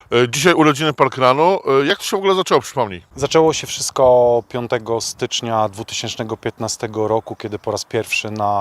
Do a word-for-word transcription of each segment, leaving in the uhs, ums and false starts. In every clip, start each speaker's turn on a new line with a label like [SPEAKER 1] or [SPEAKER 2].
[SPEAKER 1] E, Dzisiaj urodziny Parkrunu. E, Jak to się w ogóle zaczęło, przypomnij?
[SPEAKER 2] Zaczęło się wszystko piątego stycznia dwa tysiące piętnastego roku, kiedy po raz pierwszy na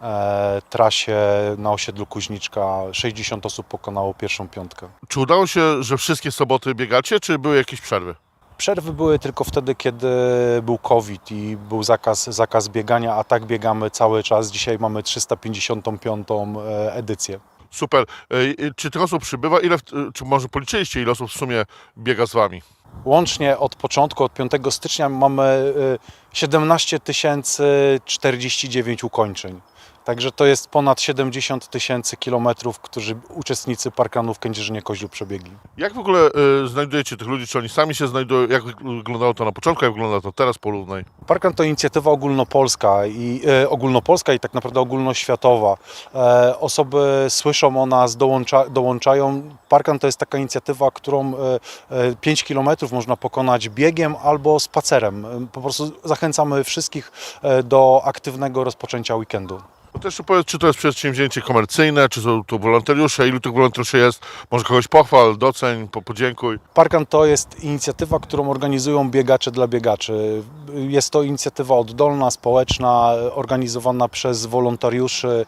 [SPEAKER 2] e, trasie na osiedlu Kuźniczka sześćdziesiąt osób pokonało pierwszą piątkę.
[SPEAKER 1] Czy udało się, że wszystkie soboty biegacie, czy były jakieś przerwy?
[SPEAKER 2] Przerwy były tylko wtedy, kiedy był COVID i był zakaz, zakaz biegania, a tak biegamy cały czas. Dzisiaj mamy trzysta pięćdziesiątą piątą e, edycję.
[SPEAKER 1] Super. E, e, Czy tych osób przybywa? Ile, w- e, czy może policzyliście, ile osób w sumie biega z wami?
[SPEAKER 2] Łącznie od początku, od piątego stycznia mamy y, siedemnaście tysięcy czterdzieści dziewięć ukończeń. Także to jest ponad siedemdziesiąt tysięcy kilometrów, którzy uczestnicy Parkrunu w Kędzierzynie-Koźlu przebiegli.
[SPEAKER 1] Jak w ogóle e, znajdujecie tych ludzi? Czy oni sami się znajdują? Jak wyglądało to na początku, jak wygląda to teraz? Porównaj.
[SPEAKER 2] Parkrun to inicjatywa ogólnopolska i e, ogólnopolska i tak naprawdę ogólnoświatowa. E, osoby słyszą o nas, dołącza, dołączają. Parkrun to jest taka inicjatywa, którą e, e, pięć kilometrów można pokonać biegiem albo spacerem. E, Po prostu zachęcamy wszystkich e, do aktywnego rozpoczęcia weekendu.
[SPEAKER 1] To też jeszcze powiedz, czy to jest przedsięwzięcie komercyjne, czy są to wolontariusze, ilu tych wolontariuszy jest? Może kogoś pochwal, doceń, po- podziękuj.
[SPEAKER 2] Parkrun to jest inicjatywa, którą organizują biegacze dla biegaczy. Jest to inicjatywa oddolna, społeczna, organizowana przez wolontariuszy,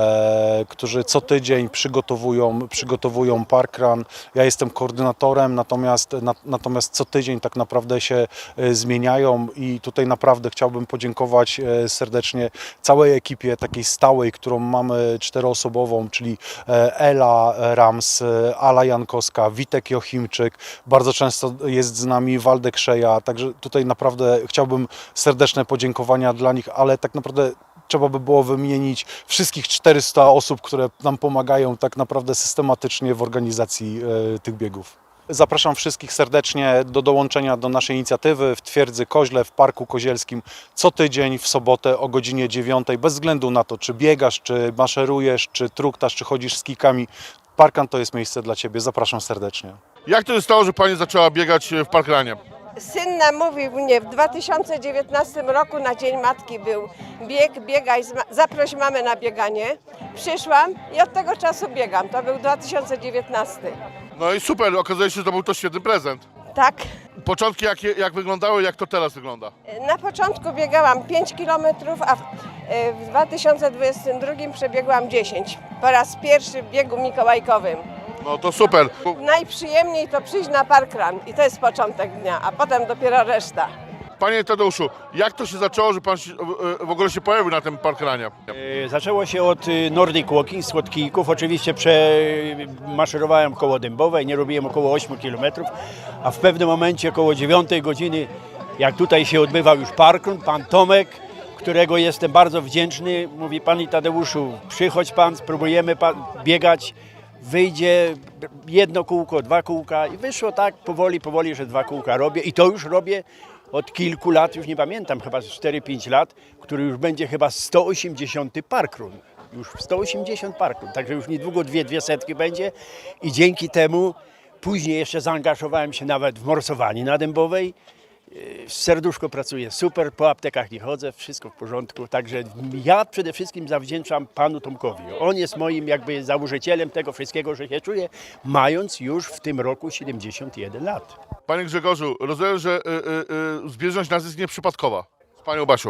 [SPEAKER 2] e, którzy co tydzień przygotowują, przygotowują Parkrun. Ja jestem koordynatorem, natomiast, na, natomiast co tydzień tak naprawdę się e, zmieniają i tutaj naprawdę chciałbym podziękować e, serdecznie całej ekipie takiej stałej, którą mamy czteroosobową, czyli e, Ela Rams, e, Ala Jankowska, Witek Jochimczyk, bardzo często jest z nami Waldek Szeja, także tutaj naprawdę chciałbym serdeczne podziękowania dla nich, ale tak naprawdę trzeba by było wymienić wszystkich czterysta osób, które nam pomagają tak naprawdę systematycznie w organizacji e, tych biegów. Zapraszam wszystkich serdecznie do dołączenia do naszej inicjatywy w Twierdzy Koźle w Parku Kozielskim co tydzień w sobotę o godzinie dziewiątej, bez względu na to, czy biegasz, czy maszerujesz, czy truktasz, czy chodzisz z kijkami. Parkrun to jest miejsce dla Ciebie. Zapraszam serdecznie.
[SPEAKER 1] Jak to się stało, że pani zaczęła biegać w Parkrunie?
[SPEAKER 3] Syn namówił mnie w dwa tysiące dziewiętnastym roku na Dzień Matki był bieg, biegaj, z ma- zaproś mamę na bieganie. Przyszłam i od tego czasu biegam. To był dwa tysiące dziewiętnasty.
[SPEAKER 1] No i super, okazuje się, że to był to świetny prezent.
[SPEAKER 3] Tak.
[SPEAKER 1] Początki jak, jak wyglądały, jak to teraz wygląda?
[SPEAKER 3] Na początku biegałam pięć kilometrów, a w, e, w dwa tysiące dwudziestym drugim przebiegłam dziesięć. Po raz pierwszy w biegu mikołajkowym.
[SPEAKER 1] No to super.
[SPEAKER 3] Najprzyjemniej to przyjść na Parkrun i to jest początek dnia, a potem dopiero reszta.
[SPEAKER 1] Panie Tadeuszu, jak to się zaczęło, że pan się, e, w ogóle się pojawił na tym Parkrunie?
[SPEAKER 4] E, Zaczęło się od y, Nordic Walking, z Słodkijków. Oczywiście przemaszerowałem koło Dębowej, nie robiłem około ośmiu kilometrów, a w pewnym momencie około dziewiątej godziny, jak tutaj się odbywał już Parkrun, pan Tomek, którego jestem bardzo wdzięczny, mówi: Panie Tadeuszu, przychodź pan, spróbujemy pan biegać, wyjdzie jedno kółko, dwa kółka i wyszło tak powoli, powoli, że dwa kółka robię i to już robię od kilku lat, już nie pamiętam, chyba cztery pięć lat, który już będzie chyba sto osiemdziesiąty Parkrun. Już sto osiemdziesiąt Parkrun, także już niedługo dwie, dwie setki będzie i dzięki temu później jeszcze zaangażowałem się nawet w morsowanie na Dębowej. Yy, Serduszko pracuje super, po aptekach nie chodzę, wszystko w porządku, także ja przede wszystkim zawdzięczam panu Tomkowi. On jest moim jakby założycielem tego wszystkiego, że się czuję, mając już w tym roku siedemdziesiąt jeden lat.
[SPEAKER 1] Panie Grzegorzu, rozumiem, że y, y, y, zbieżność nas jest nieprzypadkowa z panią Basią.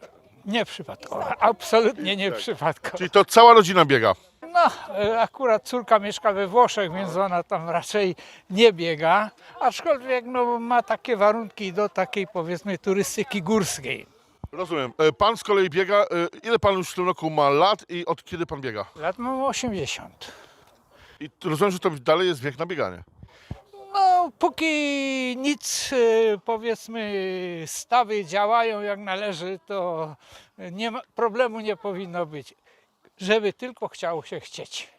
[SPEAKER 5] Nie przypadkowo, absolutnie nie przypadkowo.
[SPEAKER 1] Czyli to cała rodzina biega.
[SPEAKER 5] No, e, akurat córka mieszka we Włoszech, więc ona tam raczej nie biega, aczkolwiek no, ma takie warunki do takiej, powiedzmy, turystyki górskiej.
[SPEAKER 1] Rozumiem. E, Pan z kolei biega. e, Ile pan już w tym roku ma lat i od kiedy pan biega?
[SPEAKER 5] Lat mam osiemdziesiąt.
[SPEAKER 1] I rozumiem, że to dalej jest wiek na bieganie.
[SPEAKER 5] No, póki nic, e, powiedzmy, stawy działają jak należy, to nie ma, problemu nie powinno być, żeby tylko chciało się chcieć.